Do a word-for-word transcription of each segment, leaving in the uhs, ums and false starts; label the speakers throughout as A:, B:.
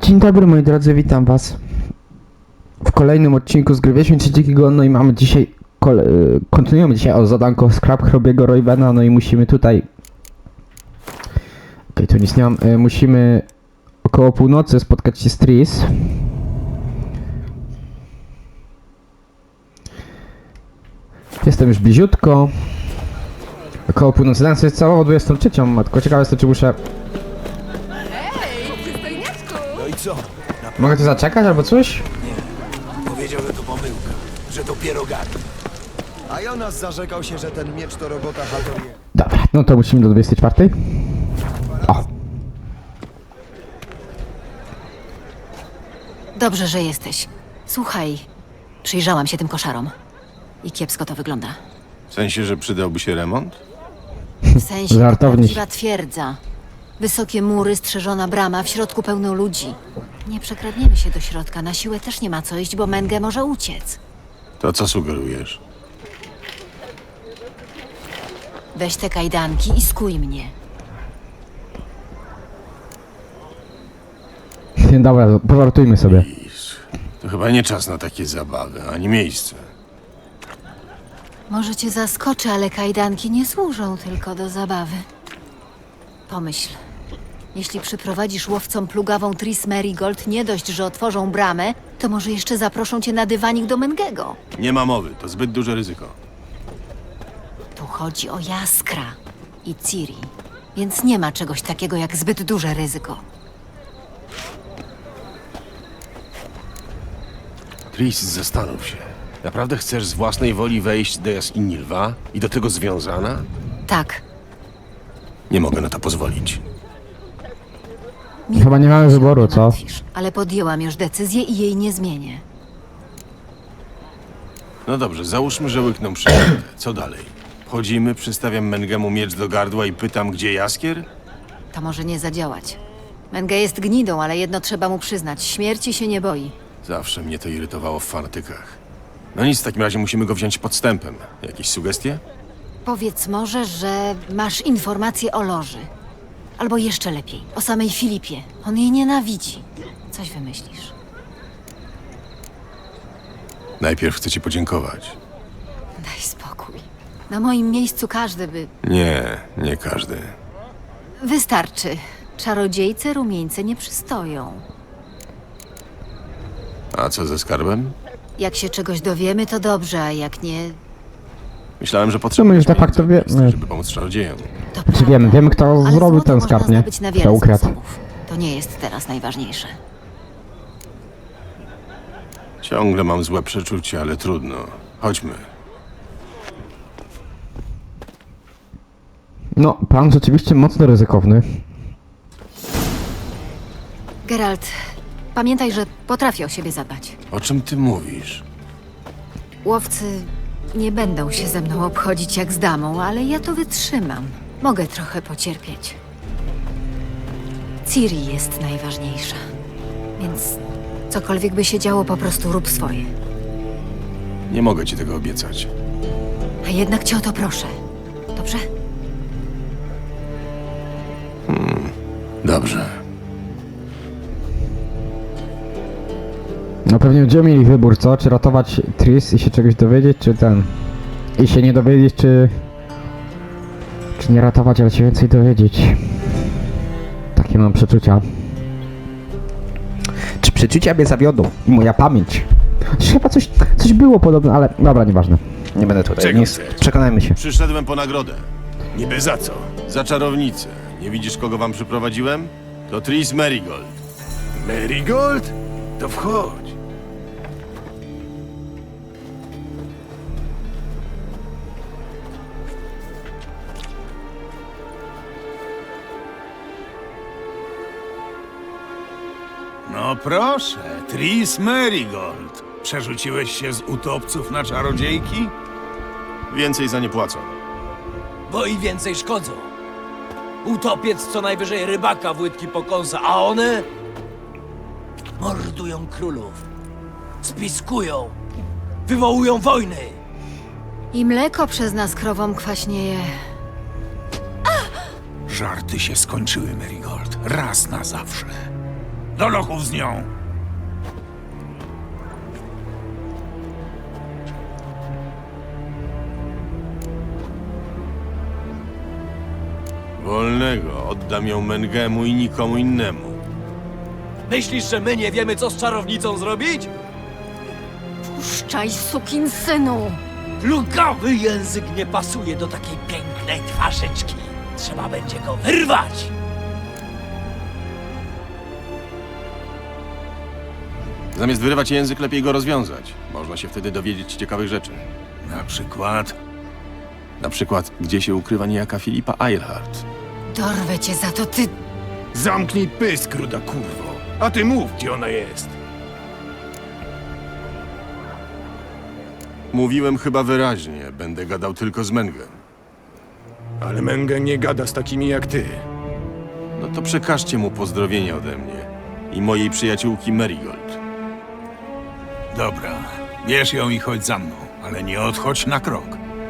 A: Dzień dobry moi drodzy, witam was w kolejnym odcinku z gry Wiedźmin Dzikiego. No i mamy dzisiaj, kole, kontynuujemy dzisiaj o zadanko Scrap Hrobiego Roybena. No i musimy tutaj, okej, okay, tu nic nie mam, e, musimy około północy spotkać się z Triss. Jestem już bliziutko, około północy, dam sobie całą dwudziestą trzecią, matko, ciekawe jest to, czy muszę...
B: No i co?
A: Mogę tu zaczekać albo coś?
B: Nie. Powiedział, że to pomyłka. Że to pierogami. A Jonas zarzekał się, że ten miecz to robota Hatorie.
A: Dobra, no to musimy do dwudziestej czwartej. O!
C: Dobrze, że jesteś. Słuchaj, przyjrzałam się tym koszarom. I kiepsko to wygląda.
D: W sensie, że przydałby się remont?
C: W sensie to
A: Żartowniś.
C: prawdziwa twierdza. Wysokie mury, strzeżona brama, w środku pełno ludzi. Nie przekradniemy się do środka, na siłę też nie ma co iść, bo Menge może uciec.
D: To co sugerujesz?
C: Weź te kajdanki i skuj mnie.
A: Dobra, powartujmy sobie.
D: Iż, to chyba nie czas na takie zabawy, ani miejsce.
C: Może cię zaskoczę, ale kajdanki nie służą tylko do zabawy. Pomyśl. Jeśli przyprowadzisz łowcom plugawą Triss Merigold, nie dość, że otworzą bramę, to może jeszcze zaproszą cię na dywanik do Mengego.
D: Nie ma mowy, to zbyt duże ryzyko.
C: Tu chodzi o Jaskra i Ciri, więc nie ma czegoś takiego jak zbyt duże ryzyko.
D: Triss, zastanów się. Naprawdę chcesz z własnej woli wejść do jaskini lwa i do tego związana?
C: Tak,
D: Nie mogę na to pozwolić.
A: Chyba nie mamy wyboru, co?
C: martwisz, ale podjęłam już decyzję i jej nie zmienię.
D: No dobrze, załóżmy, że łykną przyjęte. Co dalej? Wchodzimy, przystawiam Mengemu miecz do gardła i pytam, gdzie jaskier?
C: To może nie zadziałać. Menge jest gnidą, ale jedno trzeba mu przyznać. Śmierci się nie boi.
D: Zawsze mnie to irytowało w fanatykach. No nic, w takim razie musimy go wziąć podstępem. Jakieś sugestie?
C: Powiedz może, że masz informacje o Loży. Albo jeszcze lepiej, o samej Filipie. On jej nienawidzi. Coś wymyślisz.
D: Najpierw chcę ci podziękować.
C: Daj spokój. Na moim miejscu każdy by...
D: Nie, nie każdy.
C: Wystarczy. Czarodziejce rumieńce nie przystoją.
D: A co ze skarbem?
C: Jak się czegoś dowiemy, to dobrze, a jak nie,
D: Myślałem, że
A: No my
D: potrzebujesz
A: już de facto
D: pieniędzy,
A: wiemy.
D: żeby pomóc czarodziejom.
C: to
A: Czy
C: prawda.
A: wiemy, wiemy kto
C: Ale
A: zrobił
C: złoto
A: ten
C: można
A: skarb, nie?
C: zdobyć na
A: Kto
C: wiele
A: ukradł.
C: sposobów. To nie jest teraz najważniejsze.
D: Ciągle mam złe przeczucie, ale trudno. Chodźmy.
A: No, plan rzeczywiście mocno ryzykowny.
C: Geralt, pamiętaj, że potrafię o siebie zadbać.
D: O czym ty mówisz?
C: Łowcy nie będą się ze mną obchodzić jak z damą, ale ja to wytrzymam. Mogę trochę pocierpieć. Ciri jest najważniejsza. Więc cokolwiek by się działo, po prostu rób swoje.
D: Nie mogę ci tego obiecać.
C: A jednak cię o to proszę. Dobrze?
D: Dobrze.
A: No pewnie będziemy mieli wybór, co? Czy ratować Triss i się czegoś dowiedzieć, czy ten... I się nie dowiedzieć, czy... Czy nie ratować, ale się więcej dowiedzieć. Takie mam przeczucia. Czy przeczucia mnie zawiodą? I moja pamięć. Chociaż chyba coś, coś było podobne, ale dobra, nieważne. Nie będę tutaj.
D: Czego
A: Nie,
D: chcesz?
A: przekonajmy się.
D: Przyszedłem po nagrodę.
B: Niby za co?
D: Za czarownicę. Nie widzisz, kogo wam przyprowadziłem? To Triss Merigold.
B: Merigold? To wchodź.
E: No proszę, Triss Merigold. Przerzuciłeś się z utopców na czarodziejki?
D: Więcej za nie płacą.
F: Bo i więcej szkodzą. Utopiec co najwyżej rybaka w łydki pokąsa, a one mordują królów, spiskują, wywołują wojny.
C: I mleko przez nas krowom kwaśnieje.
E: Żarty się skończyły, Merigold. Raz na zawsze. Do lochów z nią!
D: Wolnego. Oddam ją Mengemu i nikomu innemu.
F: Myślisz, że my nie wiemy, co z czarownicą zrobić?
C: Puszczaj, sukinsynu!
F: Plugawy język nie pasuje do takiej pięknej twarzyczki. Trzeba będzie go wyrwać.
D: Zamiast wyrywać język, lepiej go rozwiązać. Można się wtedy dowiedzieć ciekawych rzeczy.
E: Na przykład...
D: Na przykład, gdzie się ukrywa niejaka Filipa Eilhart.
C: Dorwę cię za to, ty...
G: Zamknij pysk, ruda kurwo. A ty mów, gdzie ona jest.
D: Mówiłem chyba wyraźnie. Będę gadał tylko z Mengem.
G: Ale Menge nie gada z takimi jak ty.
D: No to przekażcie mu pozdrowienia ode mnie i mojej przyjaciółki Marigold.
E: Dobra, bierz ją i chodź za mną, ale nie odchodź na krok.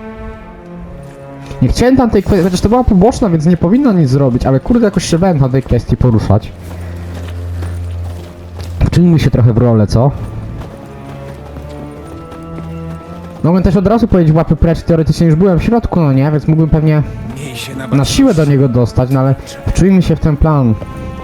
A: Nie chciałem tam tej kwestii, chociaż to była poboczna, więc nie powinno nic zrobić, ale kurde jakoś się będę na tej kwestii poruszać. Wczynimy się trochę w rolę, co? Mogłem też od razu powiedzieć łapy precz, teoretycznie już byłem w środku, no nie, więc mógłbym pewnie
E: Miej się na
A: na siłę do niego dostać, no ale wczujmy się w ten plan.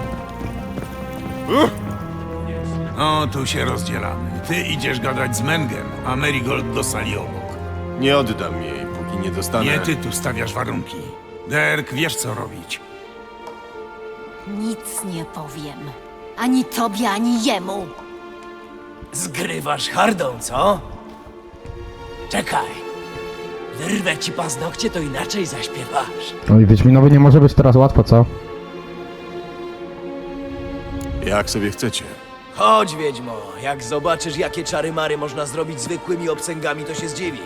E: No, tu się rozdzielamy. Ty idziesz gadać z Mengem, a Marigold do sali obok.
D: Nie oddam jej, póki nie dostanę...
E: Nie ty tu stawiasz warunki. Derek, wiesz co robić.
C: Nic nie powiem. Ani tobie, ani jemu.
F: Zgrywasz hardą, co? Czekaj. Wyrwę ci paznokcie, to inaczej zaśpiewasz.
A: No i Wiedźminowi nie może być teraz łatwo, co?
D: Jak sobie chcecie.
F: Chodź, Wiedźmo. Jak zobaczysz, jakie czary-mary można zrobić zwykłymi obcęgami, to się zdziwisz.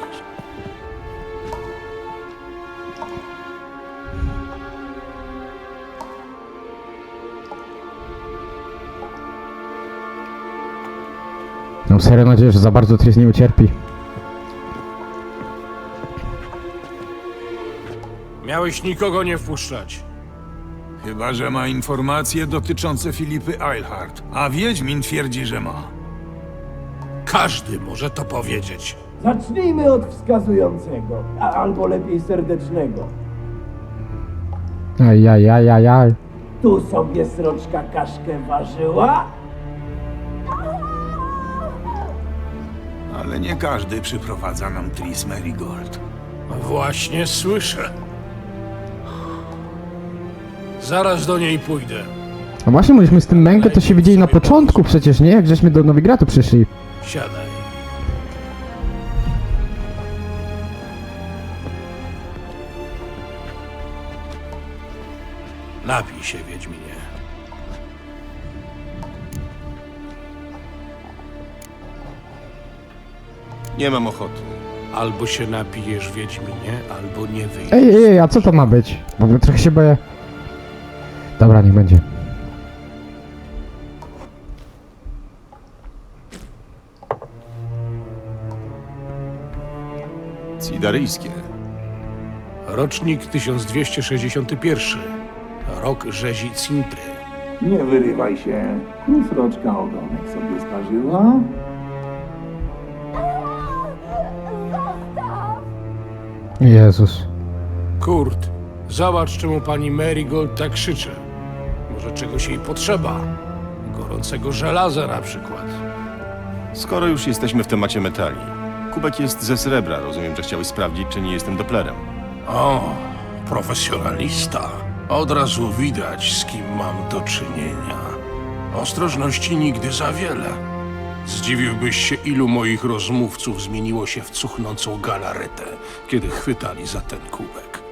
A: Mam serio nadzieję, że za bardzo Tris nie ucierpi.
G: Miałeś nikogo nie wpuszczać.
E: Chyba że ma informacje dotyczące Filipy Eilhart, a Wiedźmin twierdzi, że ma.
G: Każdy może to powiedzieć.
H: Zacznijmy od wskazującego, a albo lepiej serdecznego.
A: Aj, aj, aj, aj, aj.
H: Tu sobie sroczka kaszkę ważyła?
E: Ale nie każdy przyprowadza nam Tris Merigold.
G: Właśnie słyszę. Zaraz do niej pójdę.
A: A właśnie, myśmy z tym Mengę to się widzieli na początku przecież, nie? Jak żeśmy do Nowigradu przyszli.
G: Siadaj. Napij się, Wiedźminie.
D: Nie mam ochoty.
G: Albo się napijesz, Wiedźminie, albo nie wyjdziesz.
A: Ej, ej, ej, a co to ma być? Bo trochę się boję. Dobra, niech będzie.
D: Cidaryjskie.
G: Rocznik tysiąc dwieście sześćdziesiąty pierwszy. Rok rzezi Cintry.
H: Nie wyrywaj się. Tu sroczka ogonek sobie sparzyła.
A: Jezus.
G: Kurt, zobacz, czemu pani Marigold tak krzyczy. Może czegoś jej potrzeba. Gorącego żelaza na przykład.
D: Skoro już jesteśmy w temacie metali. Kubek jest ze srebra. Rozumiem, że chciałeś sprawdzić, czy nie jestem Dopplerem.
G: O, profesjonalista. Od razu widać, z kim mam do czynienia. Ostrożności nigdy za wiele. Zdziwiłbyś się, ilu moich rozmówców zmieniło się w cuchnącą galaretę, kiedy chwytali za ten kubek.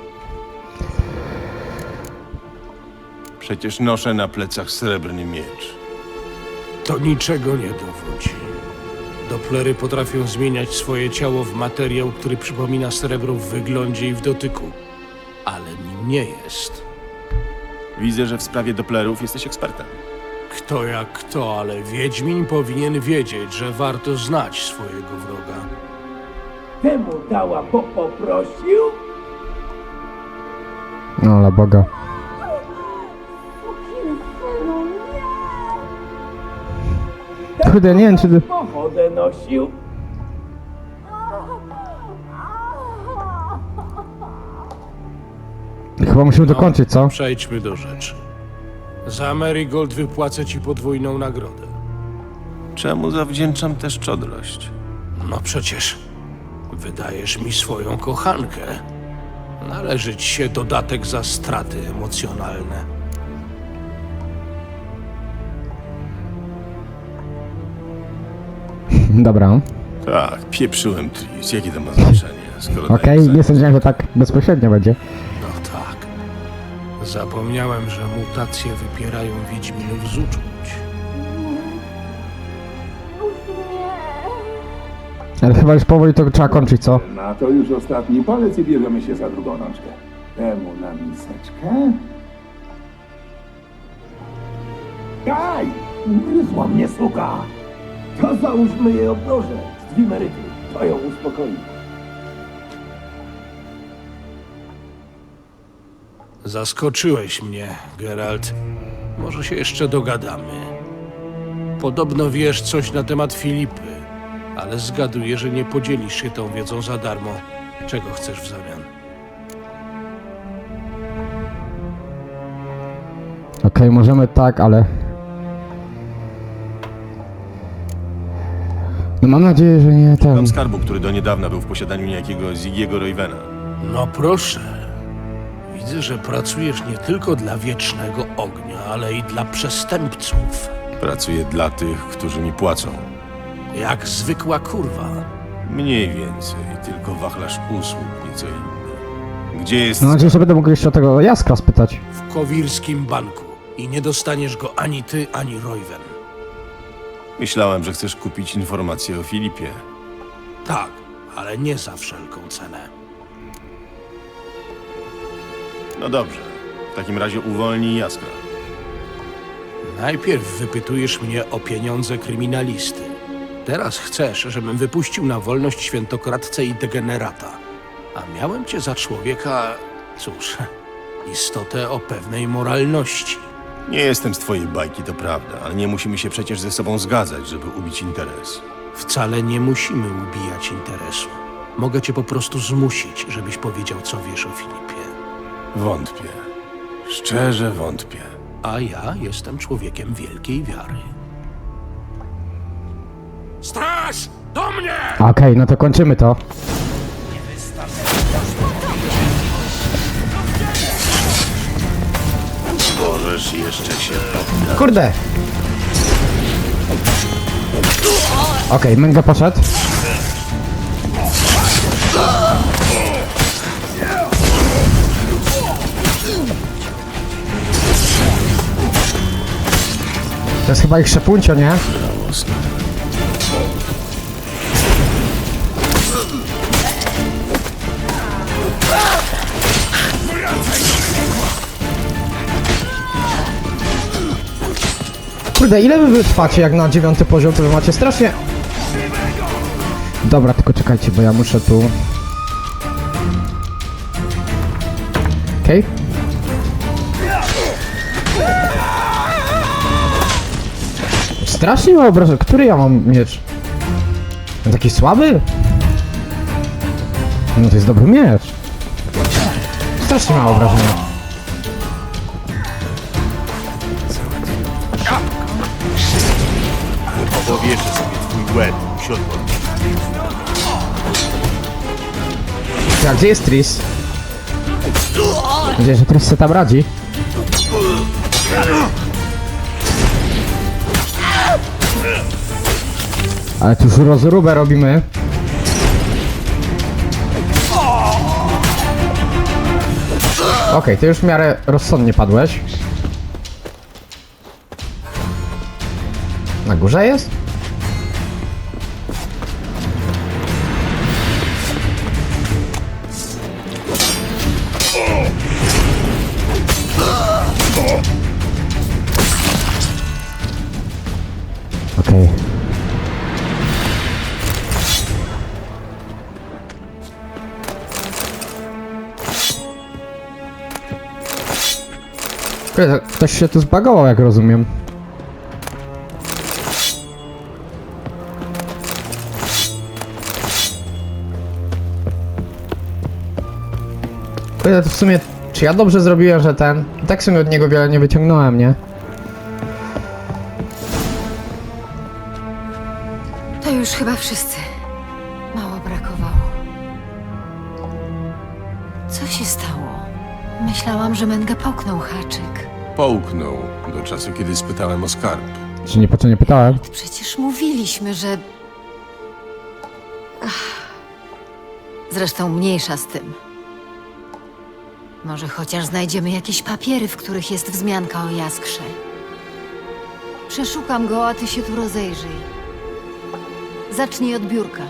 D: Przecież noszę na plecach srebrny miecz.
G: To niczego nie dowodzi. Dopplery potrafią zmieniać swoje ciało w materiał, który przypomina srebro w wyglądzie i w dotyku. Ale nim nie jest.
D: Widzę, że w sprawie Dopplerów jesteś ekspertem.
G: Kto jak kto, ale Wiedźmin powinien wiedzieć, że warto znać swojego wroga.
H: Temu dała, bo poprosił?
A: No ale Boga. Kurde, nie wiem czy...
H: Pochodę nosił.
A: Chyba musimy dokończyć, co?
G: Przejdźmy do rzeczy. Za Marigold wypłacę ci podwójną nagrodę.
D: Czemu zawdzięczam tę szczodrość?
G: No przecież wydajesz mi swoją kochankę. Należy ci się dodatek za straty emocjonalne.
A: Dobra.
D: Tak, pieprzyłem Tris. Jakie to ma znaczenie, skoro
A: Okej,
D: daję za-
A: nie sądziłem, że tak bezpośrednio będzie.
G: No tak. Zapomniałem, że mutacje wypierają wiedźminów z uczuć.
A: Ale chyba już powoli to trzeba kończyć, co?
H: Na to już ostatni palec i bierzemy się za drugą rączkę. Temu na miseczkę. Daj! Ugryzła mnie suka! To załóżmy jej obroże z dwimeryty. To ją uspokoi.
G: Zaskoczyłeś mnie, Geralt. Może się jeszcze dogadamy. Podobno wiesz coś na temat Filipy, ale zgaduję, że nie podzielisz się tą wiedzą za darmo. Czego chcesz w zamian?
A: Okej, możemy tak, ale... No mam nadzieję, że nie ten...
D: Mam skarbu, który do niedawna był w posiadaniu niejakiego Ziggiego Roywena.
G: No proszę. Widzę, że pracujesz nie tylko dla Wiecznego Ognia, ale i dla przestępców.
D: Pracuję dla tych, którzy mi płacą.
G: Jak zwykła kurwa.
D: Mniej więcej, tylko wachlarz usług nieco inny. Gdzie jest...
A: Mam nadzieję, że będę mógł jeszcze o tego Jaskra spytać.
G: W Kowirskim Banku. I nie dostaniesz go ani ty, ani Royven.
D: Myślałem, że chcesz kupić informacje o Filipie.
G: Tak, ale nie za wszelką cenę.
D: No dobrze. W takim razie uwolnij Jaskra.
G: Najpierw wypytujesz mnie o pieniądze kryminalisty. Teraz chcesz, żebym wypuścił na wolność świętokradcę i degenerata. A miałem cię za człowieka, cóż, istotę o pewnej moralności.
D: Nie jestem z twojej bajki, to prawda, ale nie musimy się przecież ze sobą zgadzać, żeby ubić interes.
G: Wcale nie musimy ubijać interesu. Mogę cię po prostu zmusić, żebyś powiedział, co wiesz o Filipie.
D: Wątpię. Szczerze wątpię.
G: A ja jestem człowiekiem wielkiej wiary. Straż! Do mnie!
A: Okej, no to kończymy to.
D: Możesz jeszcze się poddać.
A: Kurde! Okej, Męga poszedł. To jest chyba ich szepuncio, nie? Kurde, ile wy wytrwacie jak na dziewiąty poziom, to wy macie strasznie... Dobra, tylko czekajcie, bo ja muszę tu... Okej. Strasznie mało obrażeń. Który ja mam miecz? Ten taki słaby? No to jest dobry miecz. Strasznie mało obrażenia.
D: Powieszę sobie twój łeb, siodło.
A: Tak, gdzie jest Tris? Mam nadzieję, że Tris se tam radzi. Ale tu już rozróbę robimy. Okej, okay, ty już w miarę rozsądnie padłeś. Na górze jest? Okej. Okay. Ktoś się tu zbagował, jak rozumiem. Kurde, to w sumie, czy ja dobrze zrobiłem, że ten... I tak w sumie od niego wiele nie wyciągnąłem, nie?
C: To już chyba wszyscy. Mało brakowało. Co się stało? Myślałam, że Menge połknął haczyk.
D: Połknął do czasu, kiedy spytałem o skarb.
A: Czy nie po co nie pytałem?
C: Przecież mówiliśmy, że... Ach. Zresztą mniejsza z tym. Może chociaż znajdziemy jakieś papiery, w których jest wzmianka o Jaskrze. Przeszukam go, a ty się tu rozejrzyj. Zacznij od biurka.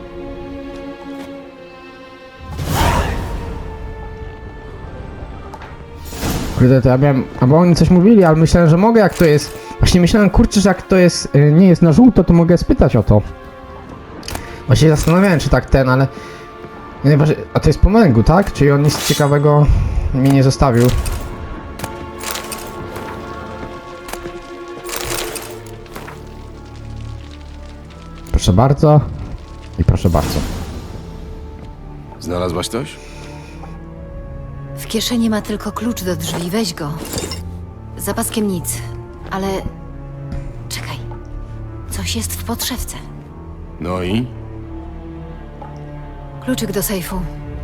A: Kurde, to ja miałem... Albo oni coś mówili, ale myślałem, że mogę, jak to jest... Właśnie myślałem, kurczę, że jak to jest... y, nie jest na żółto, to mogę spytać o to. Właśnie się zastanawiałem, czy tak ten, ale... Najważniej... A to jest po męgu, tak? Czyli on nic ciekawego mi nie zostawił. Proszę bardzo. I proszę bardzo.
D: Znalazłaś coś?
C: W kieszeni ma tylko klucz do drzwi, weź go. Za paskiem nic, ale... Czekaj. Coś jest w podszewce.
D: No i?
C: Kluczyk do sejfu.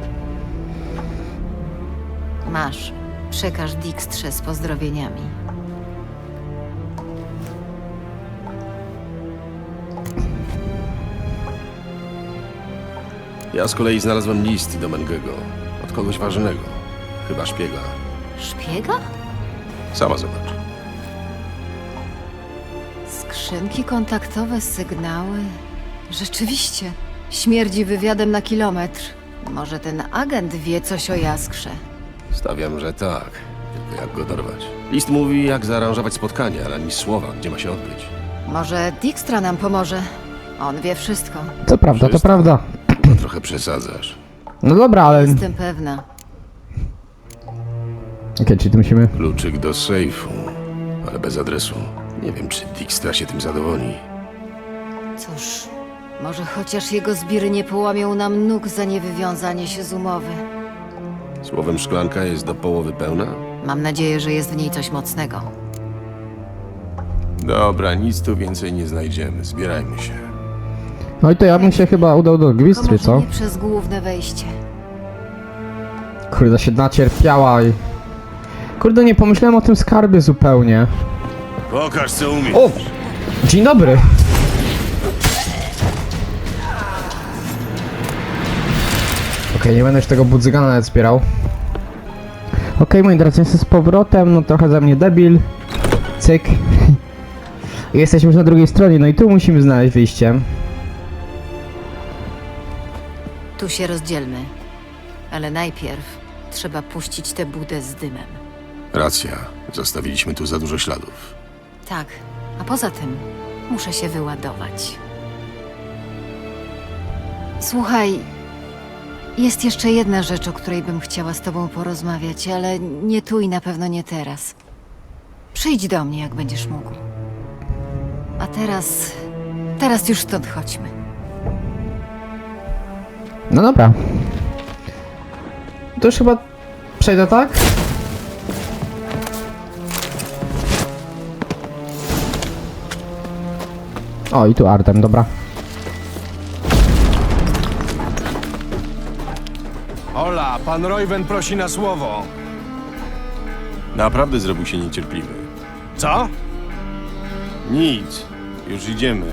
C: Masz. Przekaż Dijkstrze z pozdrowieniami.
D: Ja z kolei znalazłem list do Mengego. Od kogoś ważnego. Chyba szpiega.
C: Szpiega?
D: Sama zobacz.
C: Skrzynki kontaktowe, sygnały. Rzeczywiście. Śmierdzi wywiadem na kilometr. Może ten agent wie coś o Jaskrze.
D: Stawiam, że tak. Tylko jak go dorwać? List mówi, jak zaaranżować spotkanie, ale ani słowa, gdzie ma się odbyć.
C: Może Dijkstra nam pomoże. On wie wszystko.
A: To prawda, to
D: Wszystko.
A: prawda.
D: To trochę przesadzasz.
A: No dobra, ale... Okej,
C: Jestem pewna.
A: czyli tu musimy...
D: Kluczyk do sejfu, ale bez adresu. Nie wiem, czy Dijkstra się tym zadowoli.
C: Cóż, może chociaż jego zbiry nie połamią nam nóg za niewywiązanie się z umowy.
D: Słowem, szklanka jest do połowy pełna?
C: Mam nadzieję, że jest w niej coś mocnego.
D: Dobra, nic tu więcej nie znajdziemy. Zbierajmy się.
A: No i to ja bym się chyba udał do
C: Tylko
A: Gwistry,
C: może
A: co?
C: nie przez główne wejście.
A: Kurde, się nacierpiała i... Kurde, nie pomyślałem o tym skarbie zupełnie.
D: Pokaż, co umiesz.
A: O! Dzień dobry! Okej, nie będę już tego budzygana nawet zbierał. Okej, moi drodzy, jestem z powrotem, no trochę za mnie debil. Cyk. I jesteśmy już na drugiej stronie, no i tu musimy znaleźć wyjście.
C: Tu się rozdzielmy. Ale najpierw trzeba puścić tę budę z dymem.
D: Racja. Zostawiliśmy tu za dużo śladów.
C: Tak, a poza tym muszę się wyładować. Słuchaj, jest jeszcze jedna rzecz, o której bym chciała z tobą porozmawiać, ale nie tu i na pewno nie teraz. Przyjdź do mnie, jak będziesz mógł. A teraz... teraz już stąd chodźmy.
A: No dobra. To już chyba przejdę, tak? O, i tu Artem, dobra.
B: Ola, pan Royven prosi na słowo.
D: Naprawdę zrobił się niecierpliwy.
B: Co?
D: Nic. Już idziemy.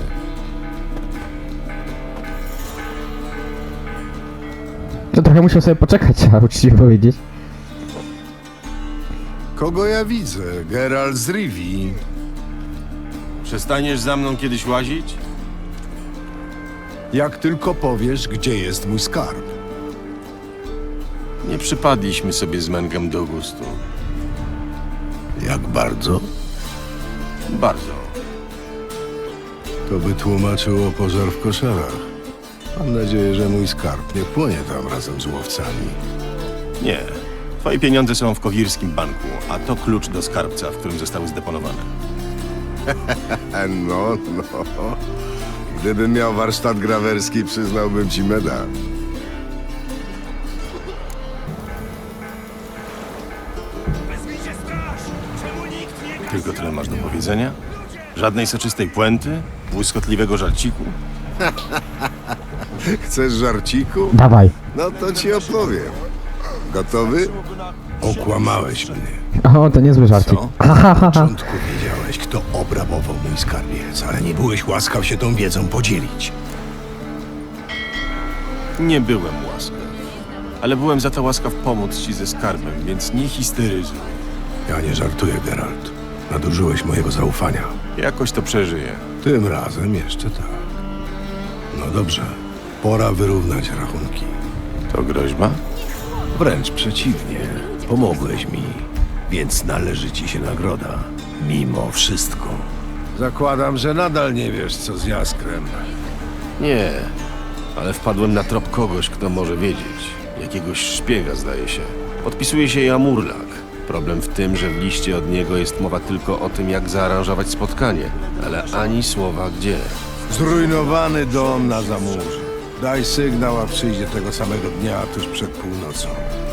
A: No trochę musiał sobie poczekać, trzeba uczciwie powiedzieć.
I: Kogo ja widzę? Geralt z Rivii.
D: Przestaniesz za mną kiedyś łazić?
I: Jak tylko powiesz, gdzie jest mój skarb.
D: Nie przypadliśmy sobie z Mengem do gustu.
I: Jak bardzo?
D: Bardzo.
I: To by tłumaczyło pożar w koszarach. Mam nadzieję, że mój skarb nie płonie tam razem z łowcami.
D: Nie. Twoje pieniądze są w Kowirskim banku, a to klucz do skarbca, w którym zostały zdeponowane.
I: No, no. Gdybym miał warsztat grawerski, przyznałbym ci medal.
D: Tylko tyle masz do powiedzenia? Żadnej soczystej puenty? Błyskotliwego żarciku?
I: Chcesz żarciku?
A: Dawaj.
I: No to ci opowiem. Gotowy? Okłamałeś mnie.
A: O, to niezły żarcik.
D: Co?
A: Ha, ha, ha,
I: Na
A: ha.
I: początku wiedziałeś, kto obrabował mój skarbiec, ale nie byłeś łaskaw się tą wiedzą podzielić.
D: Nie byłem łaskaw. Ale byłem za to łaskaw pomóc ci ze skarbem, więc nie histeryzuj.
I: Ja nie żartuję, Geralt. Nadużyłeś mojego zaufania.
D: Jakoś to przeżyję.
I: Tym razem jeszcze tak. No dobrze. Pora wyrównać rachunki.
D: To groźba?
I: Wręcz przeciwnie. Pomogłeś mi, więc należy ci się nagroda. Mimo wszystko. Zakładam, że nadal nie wiesz, co z Jaskrem.
D: Nie, ale wpadłem na trop kogoś, kto może wiedzieć. Jakiegoś szpiega, zdaje się. Podpisuje się Jamurlak. Problem w tym, że w liście od niego jest mowa tylko o tym, jak zaaranżować spotkanie, ale ani słowa gdzie.
I: Zrujnowany dom na Zamurzu. Daj sygnał, a przyjdzie tego samego dnia, tuż przed północą.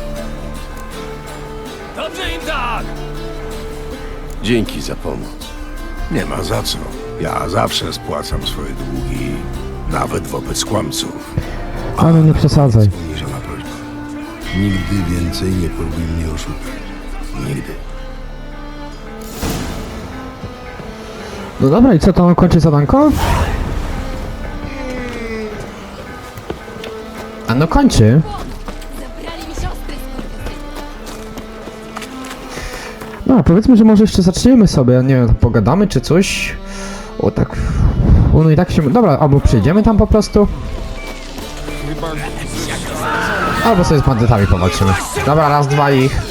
F: Dobrze im tak!
D: Dzięki za pomoc.
I: Nie ma za co. Ja zawsze spłacam swoje długi, nawet wobec kłamców.
A: Ale nie przesadzaj.
I: Poniżona prośba. Nigdy więcej nie próbuj mnie oszukać. Nigdy.
A: No dobra, i co, to on kończy zadanko? A no kończy. No, powiedzmy, że może jeszcze zaczniemy sobie, nie wiem, pogadamy czy coś. O tak. O, no i tak się. Dobra, albo przyjdziemy tam po prostu. Albo sobie z bandytami powalczymy. Dobra, raz, dwa ich.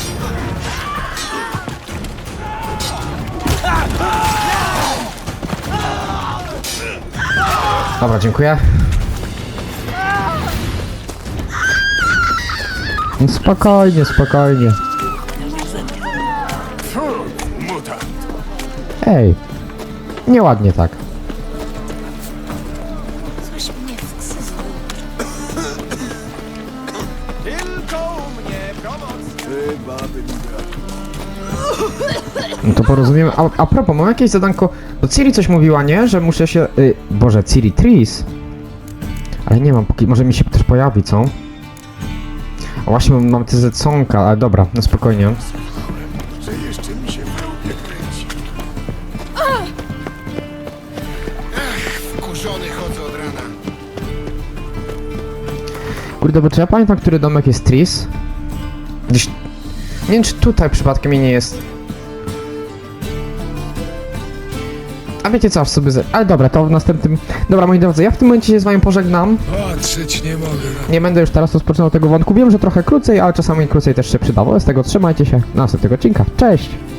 A: Dobra, dziękuję. No spokojnie, spokojnie. Ej, nieładnie tak. No to porozumiemy. A, a propos, mam jakieś zadanko. Bo Ciri coś mówiła, nie? Że muszę się. Y, Boże, Ciri Tris. Ale nie mam, póki. Może mi się też pojawi, co? A właśnie mam, mam te zecąka, ale dobra, no spokojnie.
I: Że jeszcze mi się nie kręci. Wkurzony chodzę od rana.
A: Kurde, bo czy ja pamiętam, który domek jest Tris? Gdzieś... Nie wiem, czy tutaj przypadkiem mi nie jest. A wiecie co, aż sobie z... Ale dobra, to w następnym... Dobra, moi drodzy, ja w tym momencie się z wami pożegnam.
I: Patrzeć nie mogę.
A: Nie będę już teraz rozpoczynał tego wątku. Wiem, że trochę krócej, ale czasami krócej też się przydało. Z tego trzymajcie się. Do następnego odcinka. Cześć!